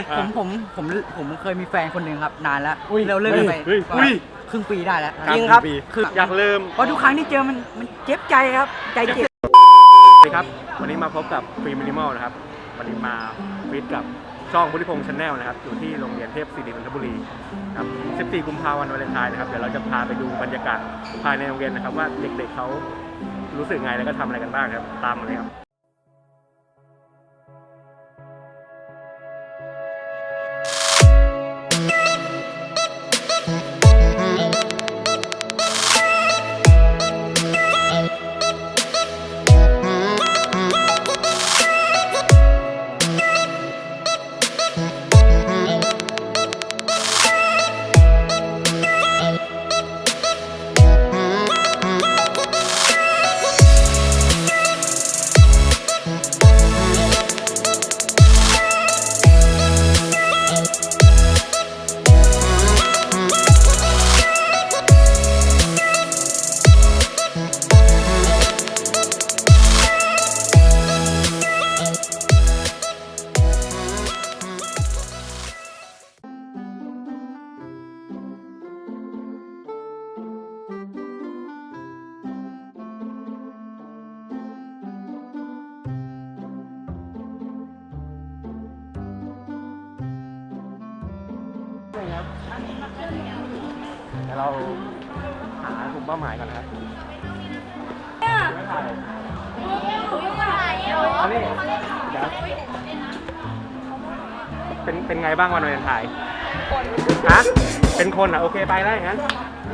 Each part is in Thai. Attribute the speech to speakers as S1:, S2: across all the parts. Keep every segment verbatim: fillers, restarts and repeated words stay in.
S1: ผมผมผมผมเคยมีแฟนคนหนึ่งครับนานแล้วเราเลิกกันไปครึ่งปีได้แล้ว
S2: จริงครับ
S1: คือ
S2: อยากลืม
S1: เพราะทุกครั้งที่เจอมันมันเจ็บใจครับใจเจ็บ
S2: สวัสดีครับวันนี้มาพบกับฟรีมินิมอลนะครับวันนี้มาฟิตกับช่องพุทธิพงษ์ชาแนลนะครับอยู่ที่โรงเรียนเทพศิรินทบุรีครับสิบสี่กุมภาพันธ์วันวาเลนไทน์นะครับเดี๋ยวเราจะพาไปดูบรรยากาศภายในโรงเรียนนะครับว่าเด็กๆเขารู้สึกไงแล้วก็ทำอะไรกันบ้างครับตามมาเลยครับเดี๋ยวเราหากลุ่มเป้าหมายก่อนนะครับอันนี้เดี๋ยวเป็นเป็นไงบ้างวันวาเลนไทน์ฮะเป็นคนอ่ะโอเคไปได้งั้น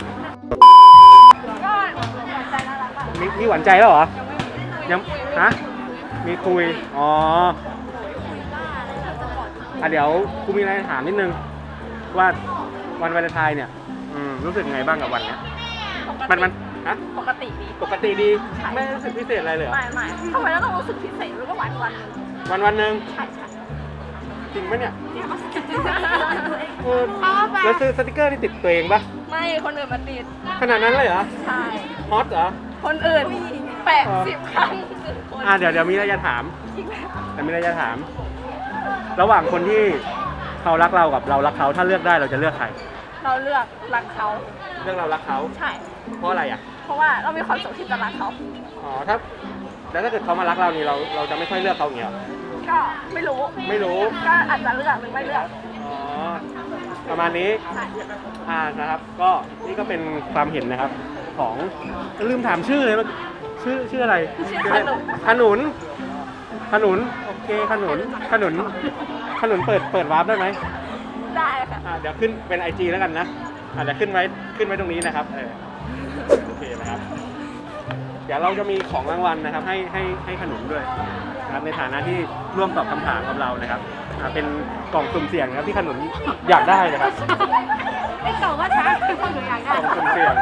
S2: มีมีหวานใจแล้วเหรอยังฮะมีคุยอ๋ออ่ะเดี๋ยวกูมีอะไรถามนิดนึงว่าวันวาเลนไทน์เนี่ยรู้สึกไงบ้างกับวันเนี้ยมันมันฮะ
S3: ปกติดี
S2: ปกติดีไม่รู้สึกพิเศษอะไรเลยเหรอ
S3: ไม่ไม่ทำไมเราต้องรู้สึกพิเศษหรือว่าวันวันนึง
S2: วันวันหนึ่ง
S3: ใช่ใช่
S2: จริงไหมเนี่ย
S3: จริง
S2: เออแล้วซื้อสติกเกอร์นี่ติดตัวเองปะ
S3: ไม่คนอื่นมาติด
S2: ขนาดนั้นเลยเหรอ
S3: ใช่
S2: ฮอตเหรอ
S3: คนอื่นแปดสิบครั้ง
S2: อ่าเดี๋ยวเดี๋ยวมีอะไรจะถามแต่มีอะไรจะถาม ระหว่างคนที่เขารักเรากับเรารักเขาถ้าเลือกได้เราจะเลือกใคร
S3: เราเลือกรักเขา
S2: เลือกเรารักเขา
S3: ใช่
S2: เพราะอะไรอ่ะ
S3: เพราะว่าเรามีความสุขที่จะรักเขา
S2: อ๋อถ้าแล้วถ้าเกิดเขามารักเรานี่เราเราจะไม่ค่อยเลือกเขาอย่างเงี้ย
S3: ก็ไม่รู้
S2: ไม่รู้
S3: ก็อาจจะเลือกหรือไม่เลือก
S2: อ๋อประมาณนี้อ่านะครับก็นี่ก็เป็นความเห็นนะครับของลืมถามชื่อเลยชื่อชื่ออะไรขนุนขนุนโอเคขนุนขนุนขนุนเปิดเปิดวาร์ปได้ไหม
S3: ได้ค่ะ
S2: เดี๋ยวขึ้นเป็น ไอ จี แล้วกันนะอ่ะเดี๋ยวขึ้นไว้ขึ้นไว้ตรงนี้นะครับเออโอเคนะครับเดี๋ยวเราจะมีของรางวัลนะครับให้ให้ให้ขนุนด้วยนะครับในฐานะที่ร่วมตอบคำถามกับเรานะครับเป็นกล่องสุ่มเสี่ยงนะครับที่ขนุนอยากได้นะครับ
S3: ไอ้กล่องว่าช้าคือคนหนูอยากได้
S2: กล่องสุ่มเสี่ยง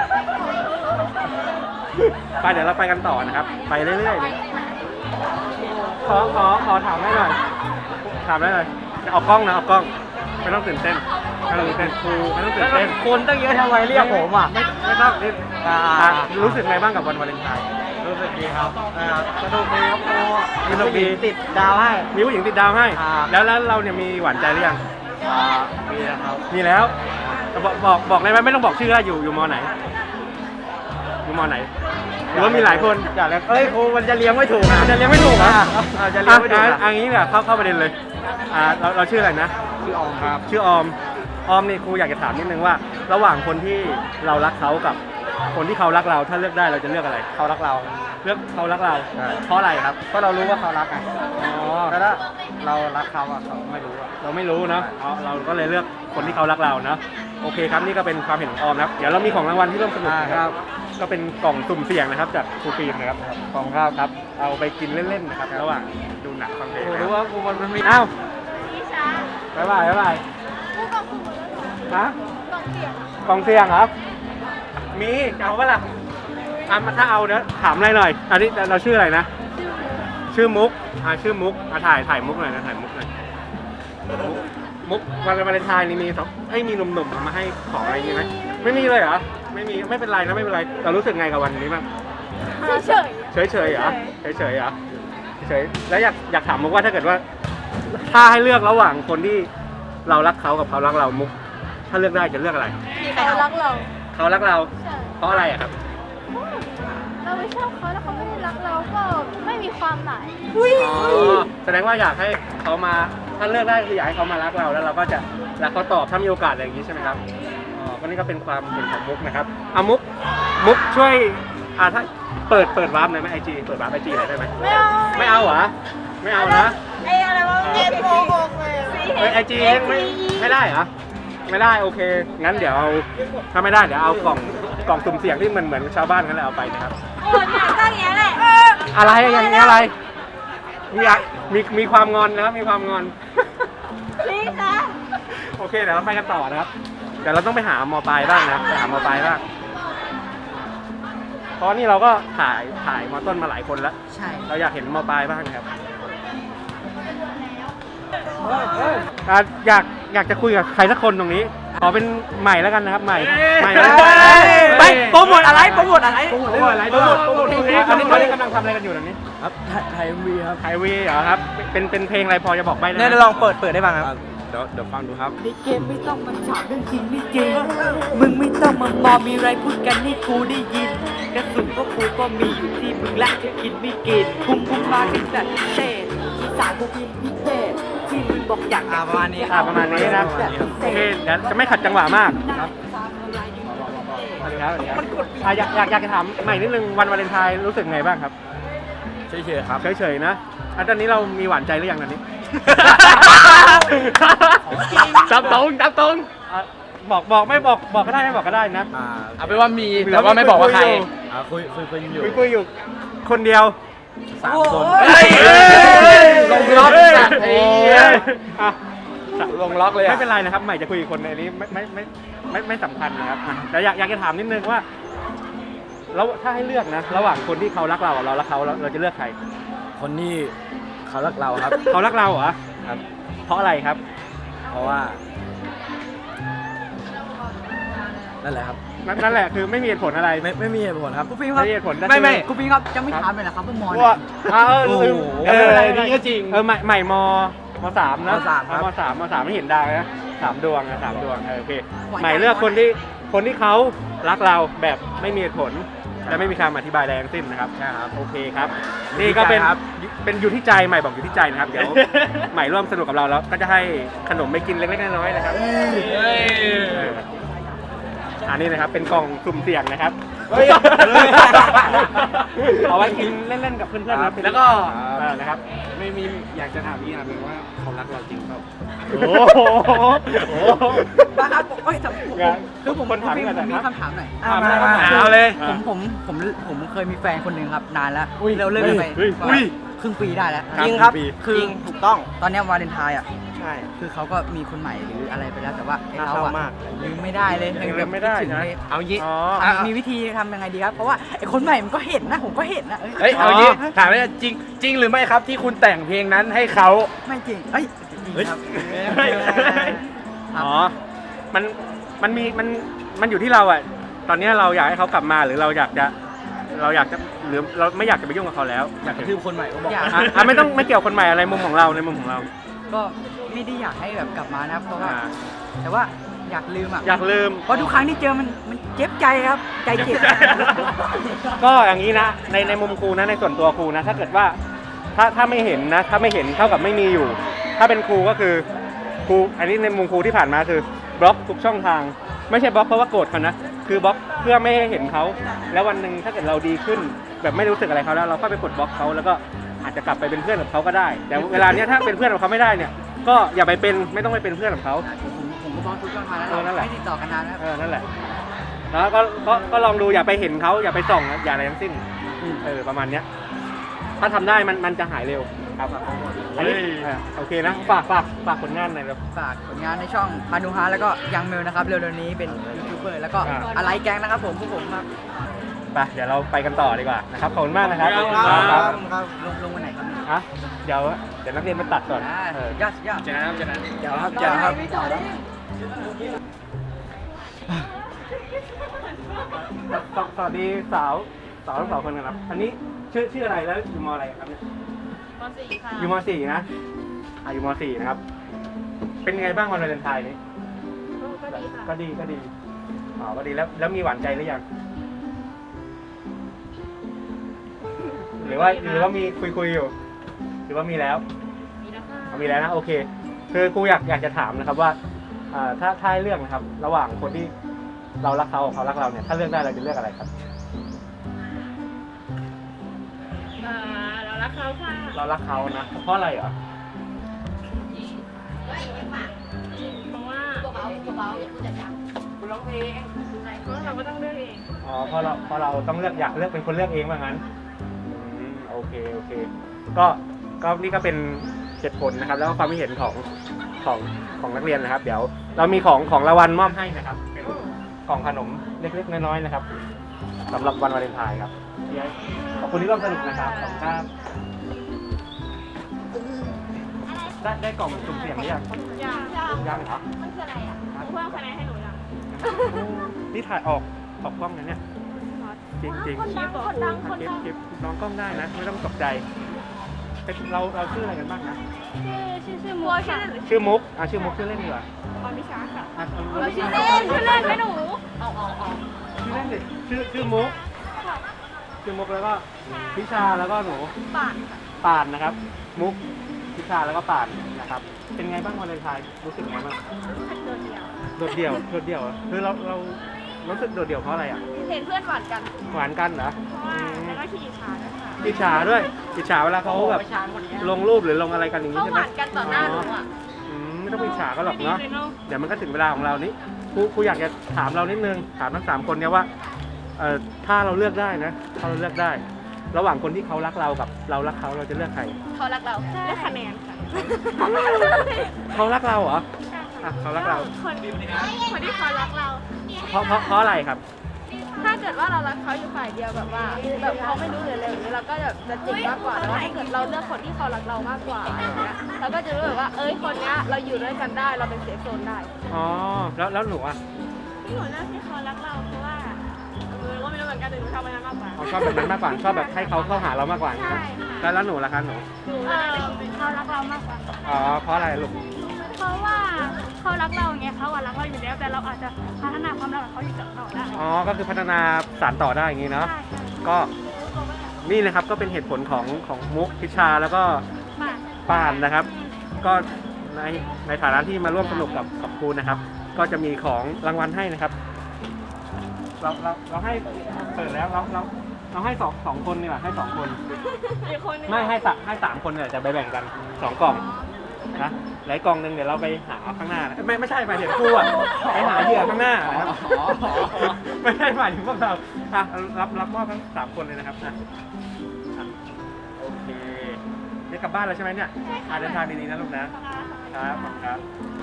S2: ไปเดี๋ยวเราไปกันต่อนะครับไปเรื่อยๆขอขอขอถามได้หน่อยถามได้เลยเอากล้องนะเอากล้องไม่ต้องตื่นเต้นไม่ต้องตื่นเต้นครูไม่ต้องตื่นเต้น
S1: คนตั้งเยอะทำไมเรียกผมอ่ะ
S2: ไม่ไม่ต้องรู้สึกไงบ้างกับวันวาเลนไทน์
S1: รู้สึกดีครับสนุกดีครับครูมีผู้หญิงติดดาวให้
S2: มีผู้หญิงติดดาวให้แล้วแล้วเราเนี่ยมีหวานใจหรือยัง
S1: มีแล้วครับ
S2: มีแล้วบอกบอกบอกได้ไหมไม่ต้องบอกชื่ออยู่อยู่มอไหนอยู่มอไหนหรือว่ามีหลายคน
S1: อยากเอ้ยครูมันจะเลี้ยงไม่ถูก
S2: มันจะเลี้ยงไม่ถูกอ่ะ
S1: จะเลี้ยงไม่ถูก
S2: อันนี้เนี่ยเข้าเข้าประเด็นเลยอ่าเราเราชื่ออะไรนะ
S1: ชื่อออมครับ
S2: ชื่อออมออมนี่ครูอยากจะถามนิดนึงว่าระหว่างคนที่เรารักเขากับคนที่เขารักเราถ้าเลือกได้เราจะเลือกอะไร
S1: เขารักเรา
S2: เลือกเขารักเราเพราะอะไรครับ
S1: เพราะเรารู้ว่าเขารักไง
S2: อ๋อ
S1: แล้วถ้าเรารักเขาอะเขาไม่รู้อะ
S2: เราไม่รู้เนาะเราก็เลยเลือกคนที่เขารักเราเนาะโอเคครับนี่ก็เป็นความเห็นของออมนะครับเดี๋ยวเรามีของรางวัลที่ร่วมสนุก
S1: ครับ
S2: ก็เป็นกล่องสุ่มเสี่ยงนะครับจากครูฟิล์มนะครับ
S1: กล่องครับ
S2: ครับเอาไปกินเล่นๆนะครับระหว่างดูหนังฟังเพลง
S1: รู้ว่าครูมันมี
S2: อ้าวบ๊ายบายบ๊ายบายฮะกล่องเสี่ยงเหรอมีเอาปะล่ะอ่ะถ้าเอาเดี๋ยวถามอะไรหน่อยอันนี้เราชื่ออะไรนะชื่อมุกอ่าชื่อมุกอ่ะถ่ายถ่ายมุกหน่อยนะถ่ายมุกหน่อยมุกมุกวันวาเลนไทน์นี่มีสองไอ้มีหนุ่มๆมาให้ของอะไรอย่างงี้ไหมไม่มีเลยเหรอไม่มีไม่เป็นไรนะไม่เป็นไรเรารู้สึกไงกับวันนี้บ้าง
S3: เฉย
S2: เฉยเฉยเหรอเฉยเฉยเหรอเฉยแล้วอยากอยากถามมุกว่าถ้าเกิดว่าถ้าให้เลือกระหว่างคนที่เรารักเขากับเขารักเรามุกถ้าเลือกได้จะเลือกอะไร
S3: เขารักเรา
S2: เขารักเรา
S3: ใช่
S2: เพราะอะไรอะครับ
S3: เราไม่ชอบเขาแล้วเขาไม่ได้รักเราก็ไม่มีความหมาย
S2: อ๋อแสดงว่าอยากให้เขามาถ้าเลือกได้คืออยากให้เขามารักเราแล้วเราก็จะรักเขาตอบถ้ามีโอกาสอะไรอย่างนี้ใช่ไหมครับอ๋อก็นี่ก็เป็นความเห็นของมุกนะครับเอามุกมุกช่วยอ่าถ้าเปิดเปิดวาร์ปหน่อยไหมไอจีเปิดวาร์ปไอจีหน่อยได้ไหม
S3: ไม่เอา
S2: ไม่เอาเหรอไม่เอานะ
S3: ไอ้อะไรวะเอ็นโกหกเลย
S2: เฮ้ยไอจีเองไม่ไม่ได้เหรอไม่ได้โอเคงั้นเดี๋ยวเอาถ้าไม่ได้เดี๋ยวเอากล่องกล่องสุ่มเสี่ยงที่เหมือนเหมือนชาวบ้านกันเลยเอาไปนะครับ
S3: โอ้ยเนี่ยตั้งอย่างนี้แหละ
S2: อะไรอย่างนี้อะไรมีอะมีมีความงอนนะครับมีความงอน
S3: พี่คะ
S2: โอเคเดี๋ยวเราไปกันต่อนะครับเดี๋ยวเราต้องไปหามอปลายบ้างนะไปหามอปลายบ้างเพราะนี่เราก็ถ่ายถ่ายมอต้นมาหลายคนแล้ว
S1: ใช่
S2: เราอยากเห็นมอปลายบ้างนะครับอ่ะอยากอยากจะคุยกับใครสักคนตรงนี้ขอเป็นใหม่แล้วกันนะครับใหม่ใหม่แล้ว
S1: ไปโปรโมทอะไรโปรโมทอะไร
S2: โปรโมทอะไรโปรโมทโปรโมทเพลงอันนี้ตอนนี้กำลังทำอะไรกันอยู่ตรงนี้
S1: ครับไทยวีครับ
S2: ไฮเวย์เหรอครับเป็นเป็นเพลงอะไรพอจะบอกใบ้ได้ไหม
S1: เนี่ยลองเปิดเปิดได้บ้างครับ
S2: เดี๋ยวเดี๋ยวฟังดูครับ
S4: ในเกมไม่ต้องมาถามเรื่องจริงไม่จริง มึงไม่ต้องมามอมีไรพูดกันนี่กูได้ยิน กระสุนก็กูก็มีอยู่ที่มึงและจะกินไม่กินพุ่งพุ่งมากันจัดพิเศษอีสานกูกินพิเศษที่มึงบอกอยาก
S1: อ่าประมาณนี้
S2: อ่าประมาณนี้นะโอเคเดี๋ยวจะไม่ขัดจังหวะมาก
S4: ครับ
S2: สวัสดีครับสวัสดีครับอ่ะอยากอยากอยากจะถามใหม่นิดนึงวันวาเลนไทน์รู้สึกไงบ้างครับ
S1: เฉยๆครับ
S2: เฉยๆนะอันตอนนี้เรามีหวานใจหรือยังตอนนี้ จับตรงจับตรงอ่ะบอกบอกไม่บอกบอกก็ได้ไม่บอกก็ได้นะ
S1: อ่าเอาเป็นว่ามีแต่ว่าไม่บอกว่าใครอ่าคุยคุยคุยอยู่
S2: คุยคุยอยู่คนเดียว
S1: สามคน
S2: เฮ้ย
S1: ลงล็อก
S2: เฮ้ย
S1: อ่ะ
S2: โอ้ยอ่ะ
S1: ลงล็อกเลยอ่ะ
S2: ไม่เป็นไรนะครับใหม่จะคุยกับคนในนี้ไม่ไม่ไม่ไม่ไม่สำคัญนะครับอ่ะแต่อยากอยากจะถามนิดนึงว่าแล้วถ้าให้เลือกนะ ระหว่างคนที่เขารักเรากับเรารักเขาเราเราจะเลือกใคร
S1: คนที่เขารักเราครับ
S2: เขารักเราเหรอ
S1: ครับ
S2: เพราะอะไรครับ
S1: เพราะว่า นั่นแหละครับ
S2: นั่นนั่นแหละคือไม่มีเหตุผลอะไร
S1: ไม่ไม่มีเหตุผลครับคุณฟิล์มครับ
S2: ไม่มีเหตุผลนั่น
S1: ไม่ไม่
S2: คือ
S1: คุณฟิล์มครับจะไม่ถามเลยเหรอครับว่ามอน
S2: ว่าอ่าเออ
S1: โอ้โห
S2: เออ
S1: อะไร
S2: นี่ก็จริงเออใหม่ใหม่มมสามนะ
S1: มสามครับ
S2: มสามมสามไม่เห็นดาวนะสามดวงนะสามดวงเออโอเค
S1: หวานใจ
S2: ใหม่เลือกคนที่คนที่เขารักเราแบบไม่มีเหตุผลและไม่มีคำอธิบายใดทั้งสิ้นนะครับ
S1: ใช่ครับ
S2: โอเคครับ นี่ก็เป็น
S1: ครับ
S2: เป็นอยู่ที่ใจใหม่บอกอยู่ที่ใจนะครับ เดี๋ยว ใหม่ร่วมสนุกกับเราแล้วก็จะให้ขนมไปกินเล็กๆน้อยๆนะครับเอออันนี้นะครับเป็นกล่องสุ่มเสี่ยงนะครับ
S1: เฮ้ย
S2: เอาไว้กินเล่นๆกับเพื่อนๆนะ
S1: แล้วก็
S2: เออนะครับ
S5: ไม่มีอยากจะถามพี่นะเป็นว่าเขารักเราจริงเปล่า
S2: โอ้โหโอ้โห
S1: บ้าครับเอ้ยแต่ผม
S2: งาน
S1: คือผม
S2: คนถาม
S1: ผม
S2: กัน
S1: ผมมี
S2: นะครับ
S1: คำถามหน่อย
S2: ถามเลยครับ
S1: เอาเลย
S2: อ่า
S1: ผมผมผมผมเคยมีแฟนคนหนึ่งครับนานแล้ว
S2: อุ้ย
S1: เราเลิกกันไป
S2: เฮ้ย
S1: ประมาณ
S2: อุ้ย
S1: ครึ่งปีได้แล้ว
S2: จริงครับ
S1: คือ
S5: จริงถูกต้อง
S1: ตอนเนี้ยวาเลนไทน์อ่ะ
S5: ใช่
S1: คือเขาก็มีคนใหม่หรืออะไรไปแล้วแต่ว่าไอ้
S5: น่า
S1: เขา
S5: เศร้า
S1: อะ
S5: มาก
S1: ลืมไม่ได้เลย
S2: ยังลืมไม่ได้
S1: คิถึง
S2: นะ
S1: เลย
S5: เอางี้
S2: อ๋อ
S1: อ่ะมีวิธีทำยังไงดีครับ เพราะว่าไอ้คนใหม่มันก็เห็นนะผมก็เห็นนะ
S5: เฮ้ย เอางี้ถามว่าจริงจริงหรือไม่ครับที่คุณแต่งเพลงนั้นให้เขา
S1: ไม่จริงเอ้ยจริงครับ
S2: เฮ้ย อ๋อ มัน มันมี มัน มันอยู่ที่เราอ่ะ ตอนนี้เราอยากให้เขากลับมาหรือเราอยากจะ เราอยากจะหรือเราไม่อยากจะไปยุ่งกับเขาแล้ว
S5: อยากกระทืบคนใหม่ก็บอก
S1: อยาก
S2: อ่ะอ่ะไม่ต้องไม่เกี่ยวคนใหม่อะไรมุมของเราในมุมของเรา
S1: ก็ไม่ได้อยากให้แบบกลับมานะครับเพราะว่า
S2: อ่า
S1: แต่ว่าอยากลืมอ่ะ
S2: อยากลืม
S1: เพราะทุกครั้งที่เจอมันมันเจ็บใจครับ ใจเจ็บ
S2: ก็อย่างนี้นะ ในในมุมครูนะในส่วนตัวครูนะ ถ้าเกิดว่าถ้าถ้าไม่เห็นนะ ถ้าไม่เห็นเท่ากับไม่มีอยู่ ถ้าเป็นครูก็คือครูอันนี้ในมุมครูที่ผ่านมาคือบล็อกทุกช่องทาง ไม่ใช่บล็อกเพราะว่าโกรธเขานะคือบล็อกเพื่อไม่ให้เห็นเขาแล้ววันหนึ่งถ้าเกิดเราดีขึ้น แบบไม่รู้สึกอะไรเขาแล้วเราก็ไปกดบล็อกเขาแล้วก็อาจจะกลับไปเป็นเพื่อนกับเขาก็ได้ แต่เวลาเนี้ยถ้าเป็นเพื่อนกับเขาไม่ได้เนี่ย ก็อย่าไปเป็นไม่ต้องไปเป็นเพื่อนกับเขา
S1: ผมผมก็บล็อกทุกช่องทางแล้ว
S2: เออนั่นแหละ
S1: ไม่ติดต่อกันนานแล้ว
S2: เออนั่นแหละแล้วก็ก็ก็ลองดูอย่าไปเห็นเขาอย่าไปส่องอย่าอะไรทั้งสิ้นเออประมาณเนี้ย ถ้าทำได้มันมันจะหายเร็วครับอันนี้เออโอเคนะฝากฝากฝากผลงานหน่อยเร็ว
S1: ฝากผลงานในช่องพานุฮาแล้วก็ยังเมลนะครับเร็วๆนี้เป็นยูทูบเบอร์แล้วก็
S2: อ่า
S1: อะไรแกงนะครับผมพวกผมครับ
S2: ไปเดี๋ยวเราไปกันต่อดีกว่านะครับขอบคุณมากนะครับ
S1: ครับลงลงวันไหนครับเนี่ย
S2: ฮะเดี๋ยวเดี๋ยวนักเรียนมาตัดก่อน
S1: อ่า
S2: เออ
S1: ยอดยอด
S5: เจอกันครับเจอกัน
S1: เดี๋ยวครับเดี๋ยวครับ
S2: สสวัสดีสาวสาวทั้งสองคนกันครับอันนี้ชื่อชื่ออะไรแล้วอยู่มอะไรครับเนี่ย
S3: มสี่ค่ะ
S2: อยู่มสี่นะอ่ะอยู่มสี่นะครับเป็นไงบ้างวันวาเลนไทน์นี้
S3: ก็ดีค่ะ
S2: ก็ดีก็ดีอ๋อก็ดีแล้วแล้วมีหวานใจหรือยังหรือว่าหรือว่ามีคุยคุยอยู่ หรือว่ามีแล้ว
S3: มีแล้วค่ะ
S2: เอามีแล้วนะโอเค คือกูอยากอยากจะถามนะครับว่าอ่าถ้าถ้าให้เลือกนะครับ ระหว่างคนที่เรารักเขากับเขารักเราเนี่ยถ้าเลือกได้เราจะเลือกอะไรครับ
S3: อ่าเรารักเขาค่ะ
S2: เรารักเขานะเพราะอะไรเหรอ
S3: เพราะว่าคุณร้องเพลงเพราะเราก็ต้องเลือกเอง
S2: อ๋อเพราะเราเพราะเราต้องเลือกอยากเลือกเป็นคนเลือกเองว่างั้นอืมโอเคโอเค ก็ก็นี่ก็เป็นเหตุผลนะครับ แล้วก็ความคิดเห็นของของของนักเรียนนะครับ เดี๋ยวเรามีของของรางวัลมอบให้นะครับเป็นกล่องขนมเล็กๆน้อยๆนะครับสำหรับวันวาเลนไทน์ครับขอบคุณที่ร่วมสนุกนะครับขอบคุณครับได้ได้กล่องสุ่มเสี่ยงหรือยัง
S3: อยาก
S2: ยังเหรอ
S3: มันคืออะไรอ่ะเพื่อนคะแนนให้หนูยัง
S2: นี่ถ่ายออกออกกล้องนะเนี่ยจริงจริง
S3: คนดังคนดังคน
S2: เก็บ
S3: ดัง
S2: เก็บน้องกล้องได้นะไม่ต้องตกใจเป็นเราเราชื่ออะไรกันบ้างนะ
S3: ชื่อชื่อชื่อมัวค่ะ
S2: ชื่อมุกอ่ะชื่อมุกชื่อเล่นดีกว่า
S3: พรพิชาค่ะ
S2: อ่ะเอา
S3: เราชื่อเล่นชื่อเล่นไหมหนู
S2: ชื่อเล่นดิชื่อชื่อมุกชื่อมุกแล้วก็พิชาแล้วก็หนู
S3: ป่าน
S2: ป่านนะครับ มุกพิชาแล้วก็ป่านนะครับ เป็นไงบ้างวาเลนไทน์รู้สึกไงบ้าง
S3: โดดเดี่ยว
S2: โดดเดี่ยวโดดเดี่ยวเหรอคือเราเรารู้สึกโดดเดี่ยวเพราะอะไรอ่ะ
S3: เห็นเพื่อนหวานกัน
S2: หวานกันเหรอ
S3: เพราะว่าแล้วก็ขี้อิจฉาด้วยค่ะ
S2: อิจฉาด้วยอิจฉาเวลาเขาแบบลงรูปหรือลงอะไรกันอย่างนี้
S3: เขา
S2: ใช่
S3: ห
S2: ไหม
S3: วานกันต่อหน้าหนูอ่ะ
S2: อืมไม่ต้องไปอิจฉาก็หรอกเนาะเดี๋ยวมันก็ถึงเวลาของเรานี้ครูครูอยากจะถามเรานิดนึงถามทั้งสามคนเนี่ยว่าเอ่อถ้าเราเลือกได้นะถ้าเราเลือกได้ ระหว่างคนที่เขารักเรากับเรารักเขาเราจะเลือกใคร
S3: เขารักเราเลือกคะแนนค่ะ
S2: เขารักเราเหรออ่ะเขารักเรา
S3: คนคนที่เขารักเรา
S2: เพราะเพราะเพราะอะไรครับ
S3: ถ้าเกิดว่าเรารักเขาอยู่ฝ่ายเดียวแบบว่าแบบเขาไม่รู้เลยเลยอย่างนี้เราก็แบบจะเจ๋งมากกว่าแต่ว่าถ้าเกิดเราเลือกคนที่เขารักเรามากกว่าอย่างเงี้ยเราก็จะรู้แบบว่าเอ้ยคนเนี้ยเราอยู่ด้วยกันได้เราเป็นเซฟโซนได้
S2: อ๋อแล้วแล้วหนูอ่ะ
S3: ที่หนูเลือกที่เขารักเราเพราะว่าเออว่าไม่รู้เหมือนกันแต่หนูชอบมันมากกว่า
S2: เขาชอบแบบนั้นมากกว่าชอบแบบให้เขาเข้าหาเรามากกว่านะแล้วแล้วหนูล่ะคะหนู
S3: หนูเออเขารักเรามากกว่า
S2: อ๋อเพราะอะไรลูก
S3: เพราะว่าเขารักเราไงเขาอะรักเราอยู่แล้วแต่เราอาจจะพัฒนาความรักของเขาอยู่ต่อได้
S2: อ๋อก็คือพัฒนาสานต่อได้อย่างนี้เนาะ
S3: ใช่ค่ะ
S2: ก็นี่นะครับก็เป็นเหตุผลของของมุกพิชาแล้วก็
S3: มา
S2: ป่านนะครับ ก็ในในฐานะที่มาร่วมสนุกกับกับครูนะครับ ก็จะมีของรางวัลให้นะครับ เราเราเราให้เปิดแล้วเราเราเราให้สองสองคนนี่แหละให้สองคน
S3: อีกคนนึง
S2: ไม่ให้สามให้สามคนเนี่ยจะไปแบ่งกันสองกล่องนะหลายกล่องหนึ่งเดี๋ยวเราไปหาข้างหน้านะไม่ไม่ใช่หมายถึงครูอ่ะไปหาเหยื่อข้างหน้านะครับไม่ใช่หมายถึงพวกเราอ่ะรับรับมอบทั้งสามคนเลยนะครับนะอ่ะโอเคได้กลับบ้านแล้วใช่ไหมเนี่ยอ่ะเดินทางดีๆนะลูกนะครับขอบคุณครับ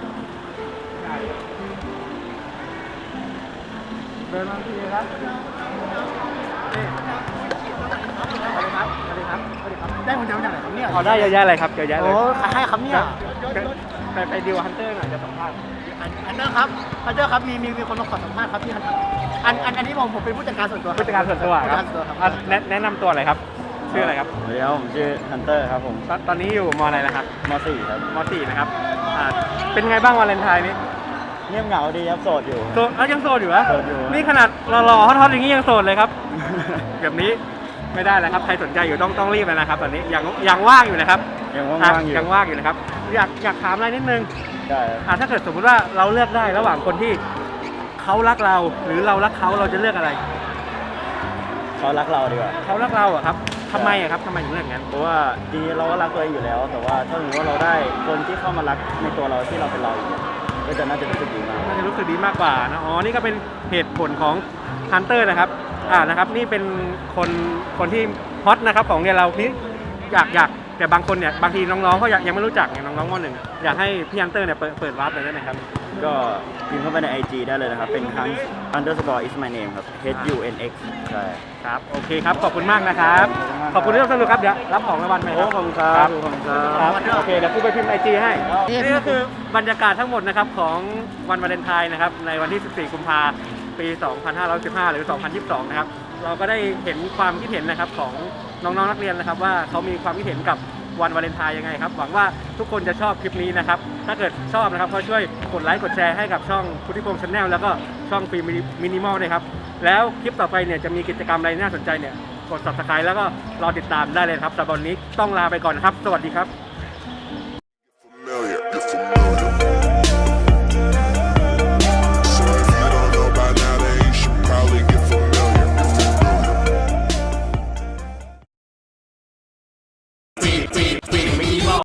S2: เดินมาทีครับนี่สวัสดีครับสวัสดีครับสวัสดีครับ
S1: ได้คนเดียวจากไหนครับเนี่ย
S2: เอาได้เยอะแยะเลยครับเยอะแยะเลย
S1: โอ้ให้ครับเนี่ย
S2: ไปไปดิวฮันเตอร์หน่อยจะสัมภาษณ์
S1: อันเดอร์ครับอันเดอร์ครับมีมีมีคนมาขอสัมภาษณ์ครับพี่อันอันอันนี้ผมผมเป็นผู้จัดการส่วนตัว
S2: ผู้จัดการส่วนตัวครับ
S1: ผู้จัดการส่วนตัวครับ
S2: อ่ะแนะแนะนำตัวหน่อยครับชื่ออะไรครับ
S6: สวัสดีครับผมชื่อฮันเตอร์ครับผม
S2: ตอนตอนนี้อยู่มอะไรนะครับ
S6: ม .สี่ ครับ
S2: มสี่นะครับอ่าเป็นไงบ้างวาเลนไทน์นี้
S6: เงียบเหงาดีครับโสดอยู่
S2: โสดเอ้ายังโสดอยู่เหรอ
S6: โสดอยู่
S2: นี่ขนาดหล่อๆฮอตๆอย่างนี้ยังโสดเลยครับ แบบนี้ไม่ได้แล้วครับใครสนใจอยู่ต้องต้องรีบเลยนะครับ ตอนนี้ยังยังว่างอยู่นะครับ
S6: ยัง
S2: อ่ะ
S6: ว่างๆอยู่
S2: ยังว่างอยู่นะครับอยากอยากถามอะไรนิดนึง
S6: ได้ครับ
S2: อ่ะถ้าเกิดสมมติว่าเราเลือกได้ระหว่างคนที่เขารักเราหรือเรารักเขาเราจะเลือกอะไร
S6: เขารักเราดีกว่า
S2: เขารักเราอะครับทำไมอะครับทำไมถึงเลือกอย่างนั้น
S6: เพราะว่าจริงๆเราก็รักตัวเองอยู่แล้ว แต่ว่าถ้าสมมติว่าเราได้คนที่เข้ามารักในตัวเราที่เราเป็นเราอยู่เนี่ยก็จะน่าจะรู้สึกดีมาก
S2: น่าจะรู้สึกดีมากกว่านะอ๋อนี่ก็เป็นเหตุผลของฮันเตอร์นะครับอ่านะครับนี่เป็นคนคนที่ฮอตนะครับของเรียนเราที่อยากอยากแต่บางคนเนี่ยบางทีน้องๆเขาอยากยังไม่รู้จักไงน้องๆมหนึ่งอยากให้พี่ฮันเตอร์เนี่ยเปิดเปิดวาร์ปเลยได้ไหมครับ
S6: ก็พิมพ์เข้าไปใน ไอ จี ได้เลยนะครับ เป็นทั้ง underscore is my name ครับ h u n x ใช่
S2: ครับโอเคครับขอบคุณมากนะครับขอบคุณที่ร่วมสนุกครับเดี๋ยวรับของรางวัลไป
S6: โอ้ขอบคุณครับขอบคุณครับ
S2: ครับโอเคเดี๋ยวกูไปพิมพ์ไอจีให้นี่ก็คือบรรยากาศทั้งหมดนะครับของวันวาเลนไทน์นะครับในวันที่สิบสี่กุมภาพันธ์ปีสองพันห้าร้อยสิบห้าหรือสองพันยี่สิบสองนะครับเราก็ได้เห็นความคิดเห็นนะครับของน้องๆนักเรียนนะครับว่าเขามีความคิดเห็นกับวันวาเลนไทน์ยังไงครับหวังว่าทุกคนจะชอบคลิปนี้นะครับถ้าเกิดชอบนะครับก็ช่วยกดไลค์กดแชร์ให้กับช่องพุทธิพงษ์ชาแนลแล้วก็ช่องฟิล์มมินิมอลนะครับแล้วคลิปต่อไปเนี่ยจะมีกิจกรรมอะไรน่าสนใจเนี่ยกด ซับสไครบ์ แล้วก็รอติดตามได้เลยครับสำหรับวันนี้ต้องลาไปก่อนนะครับสวัสดีครับ